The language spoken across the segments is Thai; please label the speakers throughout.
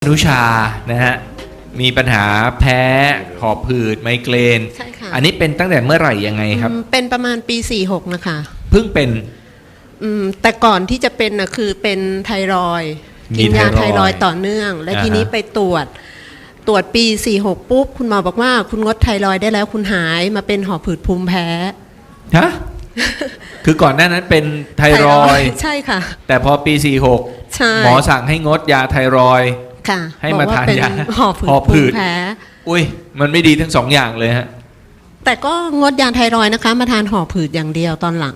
Speaker 1: นุชานะฮะมีปัญหาแพ้หอบหืดไมเกรน
Speaker 2: ใช่ค่ะ
Speaker 1: อันนี้เป็นตั้งแต่เมื่อไหร่ยังไงครับ
Speaker 2: เป็นประมาณปี46นะคะ
Speaker 1: เพิ่งเป็น
Speaker 2: แต่ก่อนที่จะเป็นนะคือเป็นไทรอยด์กินยาไทรอยด์ต่อเนื่องและทีนี้ไปตรวจปี46ปุ๊บคุณหมอบอกว่าคุณงดไทรอยด์ได้แล้วคุณหายมาเป็นหอบหืดภูมิแพ้
Speaker 1: ฮะ คือก่อนหน้านั้นเป็นไทรอยด์
Speaker 2: ใช่ค่ะ
Speaker 1: แต่พอปี46หมอสั่งให้งดยาไทรอยด์ให้มาทานยา
Speaker 2: หอบหืดแพ้
Speaker 1: อุ้ยมันไม่ดีทั้งสองอย่างเลยฮะ
Speaker 2: แต่ก็งดยาไทรอยด์นะคะมาทานหอบหืดอย่างเดียวตอนหลัง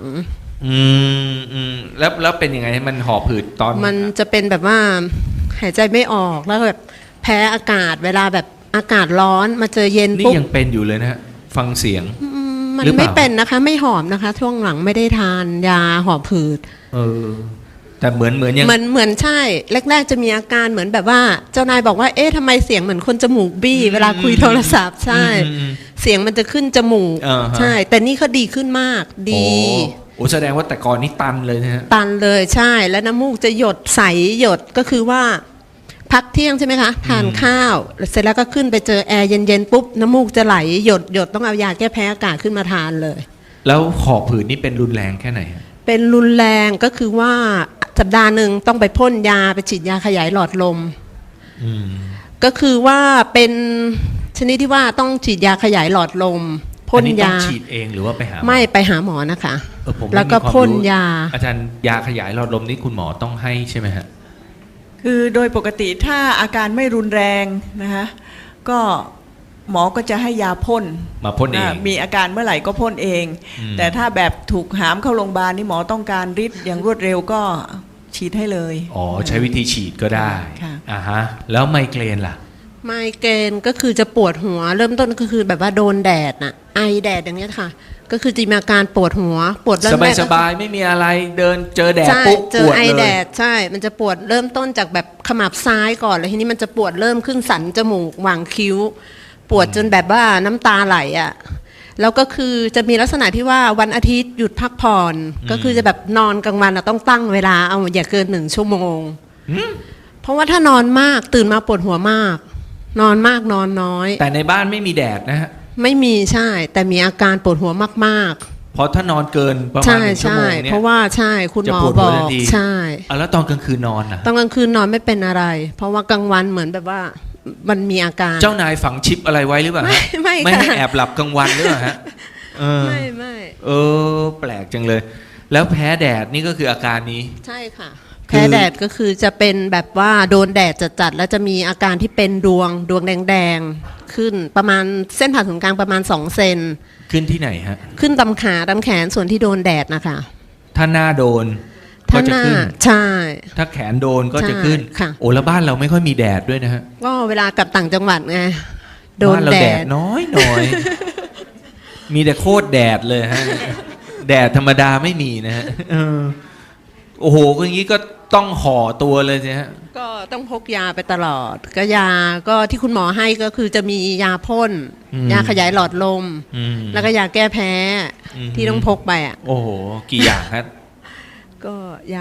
Speaker 1: แล้วเป็นยังไงมันหอบหืดตอน
Speaker 2: มันจะเป็นแบบว่าหายใจไม่ออกแล้วแบบแพ้อากาศเวลาแบบอากาศร้อนมาเจอเย็นปุ๊บ
Speaker 1: นี่ยังเป็นอยู่เลยนะฮะฟังเสียง
Speaker 2: มันไม่เป็นนะคะไม่หอบนะคะช่วงหลังไม่ได้ทานยาหอบหืด
Speaker 1: แต่เหมือนยัง
Speaker 2: เหมือนใช่แรกๆจะมีอาการเหมือนแบบว่าเจ้านายบอกว่าเอ๊ะทำไมเสียงเหมือนคนจมูกบี้เวลาคุยโทรศัพท์ใช่เสียงมันจะขึ้นจมูกใช่แต่นี่เขาดีขึ้นมากดี
Speaker 1: โอ้แสดงว่าแต่ก่อนนี่ตันเลยนะฮะ
Speaker 2: ตันเลยใช่แล้วน้ำมูกจะหยดใสหยดก็คือว่าพักเที่ยงใช่ไหมคะทานข้าวเสร็จแล้วก็ขึ้นไปเจอแอร์เย็นๆปุ๊บน้ำมูกจะไหลหยดต้องเอายาแก้แพ้อากาศขึ้นมาทานเลย
Speaker 1: แล้วหอบหืดนี่เป็นรุนแรงแค่ไหน
Speaker 2: เป็นรุนแรงก็คือว่าสัปดาห์หนึ่งต้องไปพ่นยาไปฉีดยาขยายหลอดลมก็คือว่าเป็นชนิดที่ว่าต้องฉีดยาขยายหลอดลมพ่นยา
Speaker 1: ฉีดเองหรือว่าไปหา
Speaker 2: ไม่ไปหาหมอนะคะแล้วก็พ่นยา
Speaker 1: อาจารย์ยาขยายหลอดลมนี่คุณหมอต้องให้ใช่ไหมฮะ
Speaker 3: คือโดยปกติถ้าอาการไม่รุนแรงนะคะก็หมอก็จะให้ยาพ่น
Speaker 1: มาพ่นเอง
Speaker 3: มีอาการเมื่อไหร่ก็พ่นเองแต่ถ้าแบบถูกหามเข้าโรงพยาบาลนี่หมอต้องการฤทธิ์อย่างรวดเร็วก็ฉีดให้เลย
Speaker 1: อ๋อใช้วิธีฉีดก็ได้ฮะแล้วไมเกรนล่ะ
Speaker 2: ไมเกรนก็คือจะปวดหัวเริ่มต้นก็คือแบบว่าโดนแดดน่ะไอแดดอย่างเงี้ยค่ะก็คือจะมีอาการปวดหัวปวด
Speaker 1: สบายไม่มีอะไรเดินเจอแดดปุ๊บ
Speaker 2: เจอไอแดดใช่มันจะปวดเริ่มต้นจากแบบขมับซ้ายก่อนแล้วทีนี้มันจะปวดเริ่มขึ้นสันจมูกหว่างคิ้วปวดจนแบบว่าน้ำตาไหลอ่ะแล้วก็คือจะมีลักษณะที่ว่าวันอาทิตย์หยุดพักผ่อนก็คือจะแบบนอนกลางวันต้องตั้งเวลาเอาอย่าเกิน1 ชั่วโมงเพราะว่าถ้านอนมากตื่นมาปวดหัวมากนอนมากนอนน้อย
Speaker 1: แต่ในบ้านไม่มีแดดนะฮะ
Speaker 2: ไม่มีใช่แต่มีอาการปวดหัวมาก
Speaker 1: ๆเพราะถ้านอนเกินประมาณ1 ชั่วโมงเนี่ย
Speaker 2: เพราะว่าใช่คุณหมอบอกใช่
Speaker 1: แล้วตอนกลางคืนนอนนะ
Speaker 2: ตอนกลางคืนนอนไม่เป็นอะไรเพราะว่ากลางวันเหมือนแบบว่ามันมีอาการ
Speaker 1: เจ้านายฝังชิปอะไรไว้หรือเปล่าไม่ให้แอบหลับกลางวันหรือเปล่าฮะ
Speaker 2: ไม่
Speaker 1: แปลกจังเลยแล้วแพ้แดดนี่ก็คืออาการนี้
Speaker 2: ใช่ค่ะแพ้แดดก็คือจะเป็นแบบว่าโดนแดดจัดๆแล้วจะมีอาการที่เป็นดวงแดงๆขึ้นประมาณเส้นผ่าศูนย์กลางประมาณ2 เซน
Speaker 1: ขึ้นที่ไหนฮะ
Speaker 2: ขึ้นตำขาตำแขนส่วนที่โดนแดดนะคะ
Speaker 1: ถ้าหน้าโดนก็จะขึ้น
Speaker 2: ใช่
Speaker 1: ถ้าแขนโดนก็จะขึ้นโอ้แล้วบ้านเราไม่ค่อยมีแดดด้วยนะฮะ
Speaker 2: ก็เวลากลับต่างจังหวัดไงโดนแดด
Speaker 1: น้อยมีแต่โคตรแดดเลยฮะแดดธรรมดาไม่มีนะฮะโอ้โหอย่างนี้ก็ต้องห่อตัวเลยใช่ฮะ
Speaker 2: ก็ต้องพกยาไปตลอดก็ยาก็ที่คุณหมอให้ก็คือจะมียาพ่นยาขยายหลอดลมแล้วก็ยาแก้แพ้ที่ต้องพกไปอ่ะ
Speaker 1: โอ้โหกี่อย่างฮะ
Speaker 2: ก็ยา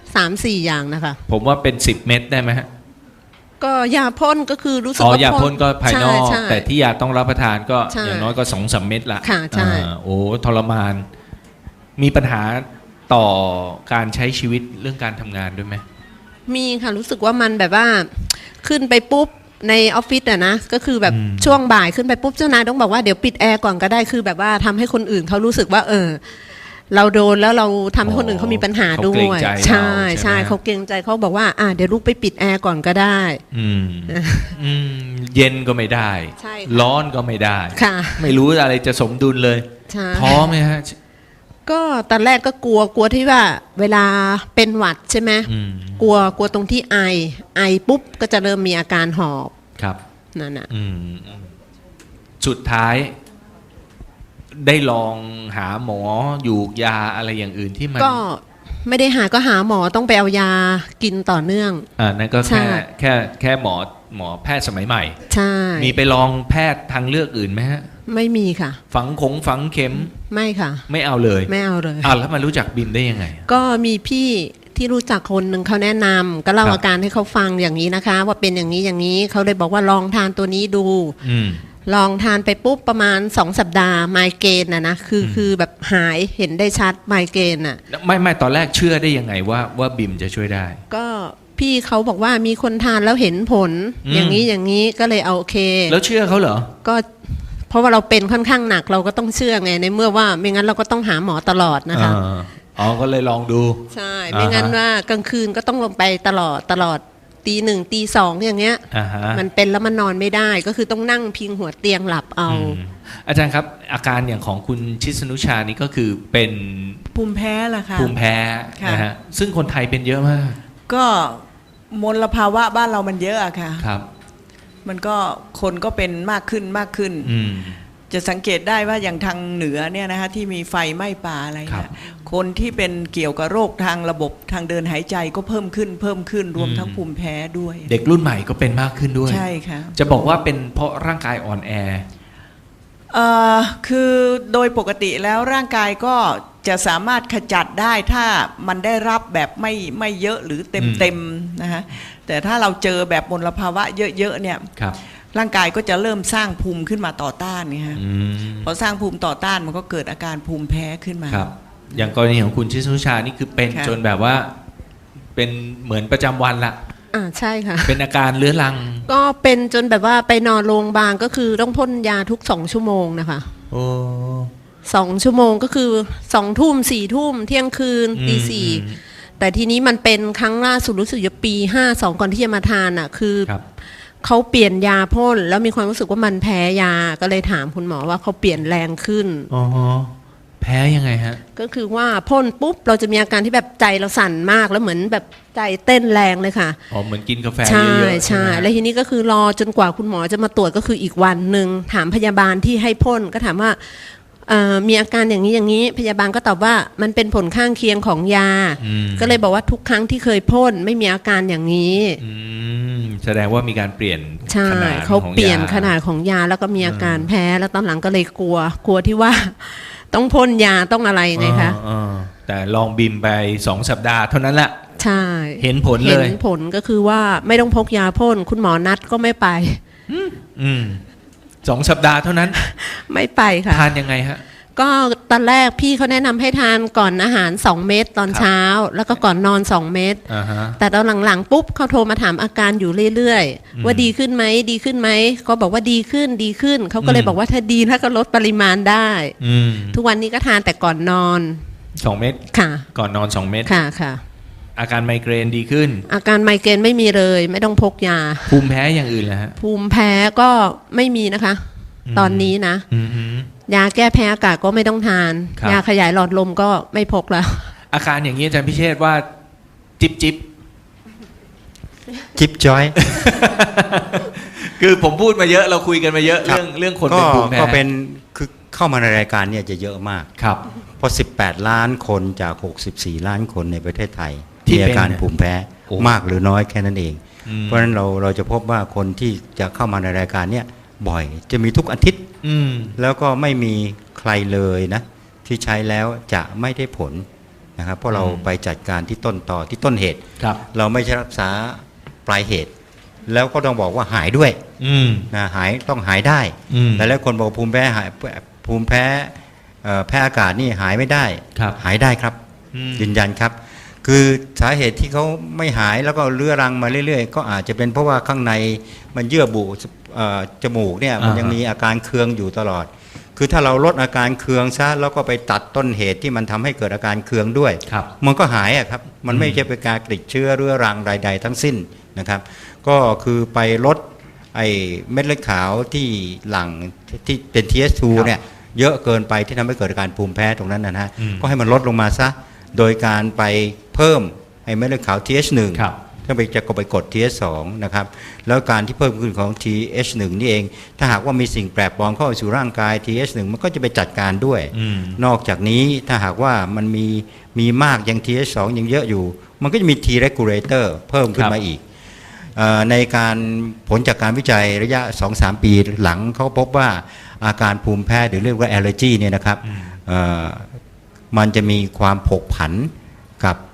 Speaker 2: 3-4 อย่างนะคะ
Speaker 1: ผมว่าเป็น10 เม็ดได้ไหมฮะ
Speaker 2: ก็ยาพ่นก็คือรู้สึกว่าย
Speaker 1: าพ่นก็ภายนอกแต่ที่ยาต้องรับประทานก็อย่างน้อยก็2-3 เม็ดละ
Speaker 2: ค่ะใช่
Speaker 1: โอ้ทรมานมีปัญหาต่อการใช้ชีวิตเรื่องการทำงานด้วยไหม
Speaker 2: มีค่ะรู้สึกว่ามันแบบว่าขึ้นไปปุ๊บในออฟฟิศอะนะก็คือแบบช่วงบ่ายขึ้นไปปุ๊บเจ้านายต้องบอกว่าเดี๋ยวปิดแอร์ก่อนก็ได้คือแบบว่าทำให้คนอื่นเขารู้สึกว่าเราโดนแล้วเราทำให้คนอื่นเขามีปัญหาด้วยใช่เขาเกรงใจเขาบอกว่าเดี๋ยวลูกไปปิดแอร์ก่อนก็ได้
Speaker 1: เย็นก็ไม่ได้ร้อนก็ไม่ได้ไม่รู้อะไรจะสมดุลเลยท้อไหมฮะ
Speaker 2: ก็ตอนแรกก็กลัวที่ว่าเวลาเป็นหวัดใช่ไหมกลัวตรงที่ไอปุ๊บก็จะเริ่มมีอาการหอบ
Speaker 1: ครับ
Speaker 2: นั่นน่ะ
Speaker 1: สุดท้ายได้ลองหาหมออยู่ยาอะไรอย่างอื่นที่มัน
Speaker 2: ก็ไม่ได้หาก็หาหมอต้องไปเอายากินต่อเนื่อง
Speaker 1: นั่นก็แค่หมอแพทย์สมัยใหม่
Speaker 2: ใช่
Speaker 1: มีไปลองแพทย์ทางเลือกอื่นไหมฮะ
Speaker 2: ไม่มีค่ะ
Speaker 1: ฝังเข็ม
Speaker 2: ไม่ค่ะ
Speaker 1: ไม่เอาเลย
Speaker 2: ไม่เอาเลย
Speaker 1: แล้วมารู้จักบิมได้ยังไง
Speaker 2: ก็มีพี่ที่รู้จักคนหนึ่งเขาแนะนำก็เล่า
Speaker 1: ครับ
Speaker 2: อาการให้เขาฟังอย่างนี้นะคะ ว่าเป็นอย่างนี้อย่างนี้เขาเลยบอกว่าลองทานตัวนี้ดู
Speaker 1: อืม
Speaker 2: ลองทานไปปุ๊บประมาณ2 สัปดาห์ไมเกรนนะคือแบบหายเห็นได้ชัดไมเกรนอ่ะ
Speaker 1: ไม่ตอนแรกเชื่อได้ยังไงว่าบิมจะช่วยได้
Speaker 2: ก็พี่เขาบอกว่ามีคนทานแล้วเห็นผล
Speaker 1: อืม
Speaker 2: อย่างนี้อย่างนี้ก็เลยเอาโอเค
Speaker 1: แล้วเชื่อเขาเหรอ
Speaker 2: ก็เพราะว่าเราเป็นค่อนข้างหนักเราก็ต้องเชื่อไงในเมื่อว่าไม่งั้นเราก็ต้องหาหมอตลอดนะคะ
Speaker 1: อ๋อก็เลยลองดู
Speaker 2: ใช่ไม่งั้นว่ากลางคืนก็ต้องลงไปตลอดตี 1ตี 2อย่างเงี้ย
Speaker 1: อ่าฮะ
Speaker 2: มันเป็นแล้วมันนอนไม่ได้ก็คือต้องนั่งพิงหัวเตียงหลับเอา
Speaker 1: อาจารย์ครับอาการอย่างของคุณชิสนุชานี่ก็คือเป็น
Speaker 3: ภูมิแพ้ล่ะค่ะ
Speaker 1: ภูมิแพ้
Speaker 3: ค่ะ
Speaker 1: นะฮะซึ่งคนไทยเป็นเยอะมาก
Speaker 3: ก็มลภาวะบ้านเรามันเยอะอะค่ะ
Speaker 1: ครับ
Speaker 3: มันก็คนก็เป็นมากขึ้นมากขึ้น
Speaker 1: อืม
Speaker 3: จะสังเกตได้ว่าอย่างทางเหนือเนี่ยนะคะที่มีไฟไหม้ป่าอะไร
Speaker 1: ครั
Speaker 3: เนี่ย
Speaker 1: บ
Speaker 3: คนที่เป็นเกี่ยวกับโรคทางระบบทางเดินหายใจก็เพิ่มขึ้นรวม
Speaker 1: อืม
Speaker 3: ทั้งภูมิแพ้ด้วย
Speaker 1: เด็กรุ่นใหม่ก็เป็นมากขึ้นด้วย
Speaker 3: ใช่ค่ะ
Speaker 1: จะบอกว่าเป็นเพราะร่างกายอ่อนแอ
Speaker 3: คือโดยปกติแล้วร่างกายก็จะสามารถขจัดได้ถ้ามันได้รับแบบไม่เยอะหรือเต็มนะฮะแต่ถ้าเราเจอแบบมลภาวะเยอะๆเนี่ย
Speaker 1: ครับ
Speaker 3: ร่างกายก็จะเริ่มสร้างภูมิขึ้นมาต่อต้านเนี่ยฮะ
Speaker 1: อืม
Speaker 3: พอสร้างภูมิต่อต้านมันก็เกิดอาการภูมิแพ้ขึ้นมา
Speaker 1: ครับ อย่างกรณีของคุณชิสนุชานี่คือเป็น
Speaker 3: ค่ะ
Speaker 1: จนแบบว่าเป็นเหมือนประจำวันละ
Speaker 2: ใช่ค่ะ
Speaker 1: เป็นอาการเรื้อรัง
Speaker 2: ก็เป็นจนแบบว่าไปนอนโรงพยาบาลก็คือต้องพ่นยาทุก2 ชั่วโมงนะคะ
Speaker 1: โอ้
Speaker 2: 2 ชั่วโมงก็คือ2 ทุ่ม4 ทุ่มเที่ยงคืนตี 4
Speaker 1: อืม
Speaker 2: แต่ทีนี้มันเป็นครั้งล่าสุดรู้สึกจะปี 52 ก่อนที่จะมาทานอ่ะคือ
Speaker 1: ครับ
Speaker 2: เขาเปลี่ยนยาพ่นแล้วมีความรู้สึกว่ามันแพ้ยาก็เลยถามคุณหมอว่าเขาเปลี่ยนแรงขึ้น
Speaker 1: อ๋อแพ้ยังไงฮะ
Speaker 2: ก็คือว่าพ่นปุ๊บเราจะมีอาการที่แบบใจเราสั่นมากแล้วเหมือนแบบใจเต้นแรงเลยค่ะ
Speaker 1: อ๋อเหมือนกินกาแฟ
Speaker 2: ใช่
Speaker 1: เยอะๆ
Speaker 2: ใช่
Speaker 1: ไหม
Speaker 2: แล้วทีนี้ก็คือรอจนกว่าคุณหมอจะมาตรวจก็คืออีกวันหนึ่งถามพยาบาลที่ให้พ่นก็ถามว่ามีอาการอย่างนี้อย่างนี้พยาบาลก็ตอบว่ามันเป็นผลข้างเคียงของยา
Speaker 1: อืม
Speaker 2: ก็เลยบอกว่าทุกครั้งที่เคยพ่นไม่มีอาการอย่างนี้
Speaker 1: แสดงว่ามีการเปลี่ยน
Speaker 2: ใช่
Speaker 1: ขนาด
Speaker 2: เขา
Speaker 1: ของ
Speaker 2: เปลี่ยน
Speaker 1: ยา
Speaker 2: ขนาดของยาแล้วก็มีอาการแพ้แล้วตอนหลังก็เลยกลัวที่ว่า ต้องพ่นยาต้องอะไรไงคะ
Speaker 1: แต่ลองบิมไป2 สัปดาห์เท่านั้นแหละ
Speaker 2: ใช่
Speaker 1: เห็นผล
Speaker 2: เห็
Speaker 1: เล
Speaker 2: น
Speaker 1: ย
Speaker 2: ผลก็คือว่าไม่ต้องพกยาพ่นคุณหมอนัดก็ไม่ไป
Speaker 1: 2 สัปดาห์เท่านั้น
Speaker 2: ไม่ไปค่ะ
Speaker 1: ทานยังไงฮะ
Speaker 2: ก็ตอนแรกพี่เขาแนะนำให้ทานก่อนอาหาร2 เม็ดตอนเช้า แล้วก็ก่อนนอน2 เม็ด
Speaker 1: อ่าฮะ
Speaker 2: แต่ตอนหลังๆปุ๊บเขาโทรมาถามอาการอยู่เรื่อยๆว่าดีขึ้นไหมดีขึ้นไหมก็บอกว่าดีขึ้นเขาก็เลยบอกว่าถ้าดีแล้วก็ลดปริมาณได้ ทุกวันนี้ก็ทานแต่ก่อนนอน
Speaker 1: 2 เม็ด
Speaker 2: ค่ะ
Speaker 1: ก่อนนอน 2 เม็ด
Speaker 2: ค่ะ
Speaker 1: อาการไมเกรนดีขึ้น
Speaker 2: อาการไมเกรนไม่มีเลยไม่ต้องพกยา
Speaker 1: ภูมิแพ้อย่างอื่นแล้วฮะ
Speaker 2: ภูมิแพ้ก็ไม่มีนะคะ ตอนนี้นะ
Speaker 1: อืม
Speaker 2: ยาแก้แพ้อากาศก็ไม่ต้องทาน
Speaker 1: ครับ
Speaker 2: ยาขยายหลอดลมก็ไม่พกแล้ว
Speaker 1: อาการอย่างนี้อาจารย์พิเชษว่าจิบ
Speaker 4: จิ๊บจอย
Speaker 1: คือผมพูดมาเยอะเราคุยกันมาเยอะ เรื่องคนเป็นภูมิแพ้
Speaker 4: ก็เป็นคือเข้ามาในรายการเนี่ยจะเยอะมาก
Speaker 1: ครับ
Speaker 4: เพราะ18 ล้านคนจาก 64 ล้านคนในประเทศไทย
Speaker 1: ที่
Speaker 4: มีอาการ
Speaker 1: เป็น
Speaker 4: ภูมิแพ้
Speaker 1: โอ้
Speaker 4: มากหรือน้อยแค่นั้นเอง
Speaker 1: อืม
Speaker 4: เพราะฉะนั้นเราจะพบว่าคนที่จะเข้ามาในรายการเนี่ยบ่อยจะมีทุกอาทิตย์
Speaker 1: อืม
Speaker 4: แล้วก็ไม่มีใครเลยนะที่ใช้แล้วจะไม่ได้ผลนะครับเพราะเราไปจัดการที่ต้นต่อที่ต้นเหตุ
Speaker 1: ครับ
Speaker 4: เราไม่ใช่รักษาปลายเหตุ แล้วก็ต้องบอกว่าหายด้วย
Speaker 1: อืม
Speaker 4: นะต้องหายได้
Speaker 1: อืม
Speaker 4: แต่แล้วคนบอกภูมิแพ้หายภูมิแพ้แพ้อากาศนี่หายไม่ได้
Speaker 1: ครับ
Speaker 4: หายได้ครับ
Speaker 1: อืม
Speaker 4: ยืนยันครับ คือสาเหตุที่เขาไม่หายแล้วก็เรื้อรังมาเรื่อยๆ ก็อาจจะเป็นเพราะว่าข้างในมันเยื่อบุจมูกเนี่ยมันยังมีอาการเคืองอยู่ตลอด คือถ้าเราลดอาการเคืองซะแล้วก็ไปตัดต้นเหตุที่มันทำให้เกิดอาการเคืองด้วย
Speaker 1: ครับ
Speaker 4: มันก็หายอะครับ มันไม่ใช่เป็นการติดเชื้อเรื้อรังใดๆทั้งสิ้นนะครับ ก็คือไปลดไอ้เม็ดเลือดขาวที่หลั่งที่เป็น TS2
Speaker 1: ครับ
Speaker 4: เนี่ยเยอะเกินไปที่ทำให้เกิดอาการภูมิแพ้ตรงนั้นนะฮะ
Speaker 1: อืม
Speaker 4: ก็ให้มันลดลงมาซะ โดยการไปเพิ่มไอ้เม็ดเลือดขาว TH1
Speaker 1: ครับ
Speaker 4: ถ้าไปจะไปกด TH2 นะครับ แล้วการที่เพิ่มขึ้นของ TH1 นี่เอง ถ้าหากว่ามีสิ่งแปลกปลอมเข้าสู่ร่างกาย TH1 มันก็จะไปจัดการด้วย
Speaker 1: อืม
Speaker 4: นอกจากนี้ถ้าหากว่ามันมีมากยัง TH2 ยังเยอะอยู่ มันก็จะมี T regulator เพิ่มขึ้นมาอีกในการผลจากการวิจัยระยะ 2-3 ปีหลังเขาพบว่าอาการภูมิแพ้หรือเรียกว่า allergy เนี่ยนะครับมันจะมีความผกผันกับ T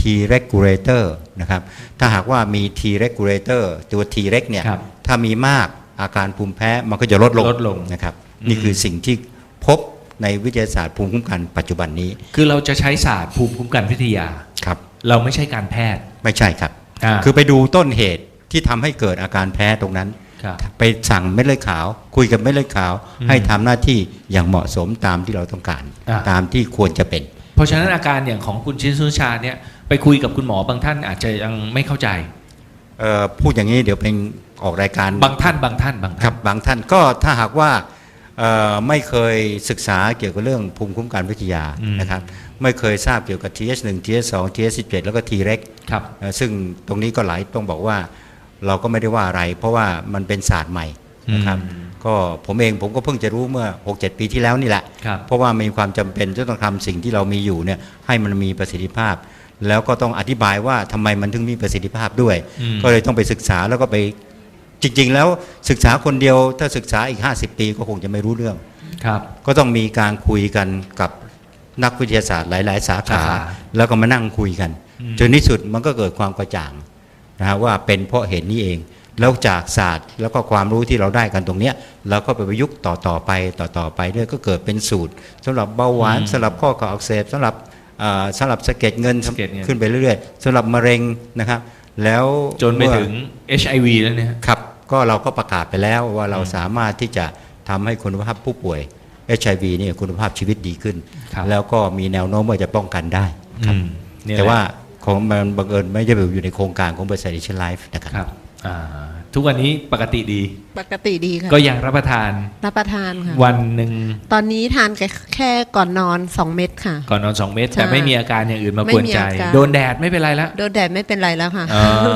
Speaker 4: regulator นะครับถ้าหากว่ามี T regulator ตัว T reg เนี่ย
Speaker 1: ครับ
Speaker 4: ถ้ามีมากอาการภูมิแพ้มันก็จะลดลงนะครับนี่คือสิ่งที่พบในวิทยาศาสตร์ภูมิคุ้มกันปัจจุบันนี้
Speaker 1: คือเราจะใช้ศาสตร์ภูมิคุ้มกันวิทยา
Speaker 4: ครับ
Speaker 1: เราไม่ใช่การแพทย์
Speaker 4: ไม่ใช่ครับ
Speaker 1: า
Speaker 4: คือไปดูต้นเหตุที่ทำให้เกิดอาการแพ้ตรงนั้น
Speaker 1: ครับ
Speaker 4: ไปสั่งเม็ดเลือดขาว คุยกับเม็ดเลือดขาว
Speaker 1: อืม
Speaker 4: ให้ทำหน้าที่อย่างเหมาะสมตามที่เราต้องการ
Speaker 1: อ่า
Speaker 4: ตามที่ควรจะเป็น
Speaker 1: เพราะฉะนั้นอาการอย่างของคุณชินสุชาเนี่ยไปคุยกับคุณหมอบางท่านอาจจะยังไม่เข้าใจ
Speaker 4: พูดอย่างนี้เดี๋ยวเป็นออกรายการ
Speaker 1: บางท่าน
Speaker 4: ครับบางท่านก็ถ้าหากว่าไม่เคยศึกษาเกี่ยวกับเรื่องภูมิคุ้มกันวิทยา
Speaker 1: อืม
Speaker 4: นะครับไม่เคยทราบเกี่ยวกับ TH1 TH2 TH17 แล้วก็ T-REG
Speaker 1: ครับ
Speaker 4: ซึ่งตรงนี้ก็หลายต้องบอกว่าเราก็ไม่ได้ว่าอะไร เพราะว่ามันเป็นศาสตร์ใหม่นะครับ
Speaker 1: อืม
Speaker 4: ก็ผมก็เพิ่งจะรู้เมื่อ 6-7 ปีที่แล้วนี่แหละ
Speaker 1: ครับ
Speaker 4: เพราะว่ามีความจำเป็นจะต้องทำสิ่งที่เรามีอยู่เนี่ยให้มันมีประสิทธิภาพ แล้วก็ต้องอธิบายว่าทำไมมันถึงมีประสิทธิภาพด้วย
Speaker 1: อืม
Speaker 4: ก็เลยต้องไปศึกษาแล้วก็ไปจริง ๆ แล้วศึกษาคนเดียวถ้าศึกษาอีก 50 ปีก็คงจะไม่รู้เรื่อง
Speaker 1: ครับ
Speaker 4: ก็ต้องมีการคุยกันกับนักวิทยาศาสตร์หลาย ๆ สาขา
Speaker 1: สาขา
Speaker 4: แล้วก็มานั่งคุยกัน
Speaker 1: อืม
Speaker 4: จนที่สุดมันก็เกิดความกระจ่างนะฮะว่าเป็นเพราะเหตุนี้เอง แล้วจากศาสตร์แล้วก็ความรู้ที่เราได้กันตรงเนี้ยเราก็ไปประยุกต์ต่อไปเรื่อยก็เกิดเป็นสูตรสำหรับเบาหวานสำหรับข้อเข่าอักเสบสำหรับสะเก็ดเงิน
Speaker 1: สะเก็ดเงิน
Speaker 4: ขึ้นไปเรื่อยๆสำหรับมะเร็งนะครับ แล้ว
Speaker 1: จนไป
Speaker 4: เมื่อ
Speaker 1: ถึง HIV แล้วเนี่ย
Speaker 4: ครับก็เราก็ประกาศไปแล้วว่าเราสามารถที่จะทำให้คุณภาพผู้ป่วย HIV เนี่ยคุณภาพชีวิตดีขึ้น
Speaker 1: ครับ
Speaker 4: แล้วก็มีแนวโน้มว่าจะป้องกันได้ครับ
Speaker 1: อืมเนี่ย
Speaker 4: แต่
Speaker 1: แหละ
Speaker 4: ว่าของมันบังเอิญไม่ได้อยู่ในโครงการของบริษัท Asian Life นะครับ
Speaker 1: ครับทุกวันนี้ปกติดี
Speaker 2: ปกติดีค่ะ
Speaker 1: ก็ยังรับประทาน
Speaker 2: รับประทานค่ะ
Speaker 1: วันหนึ่ง
Speaker 2: ตอนนี้ทานแค่ก่อนนอน 2 เม็ดค่ะ
Speaker 1: ก่อนนอน 2 เม็ด
Speaker 2: ใช่
Speaker 1: แต่ไม่มีอาการอย่างอื่นมากวนใจ
Speaker 2: ไม่มีอาการ
Speaker 1: โดนแดดไม่เป็นไรแล้ว
Speaker 2: โดนแดดไม่เป็นไรแล้วค่ะ
Speaker 1: อ่า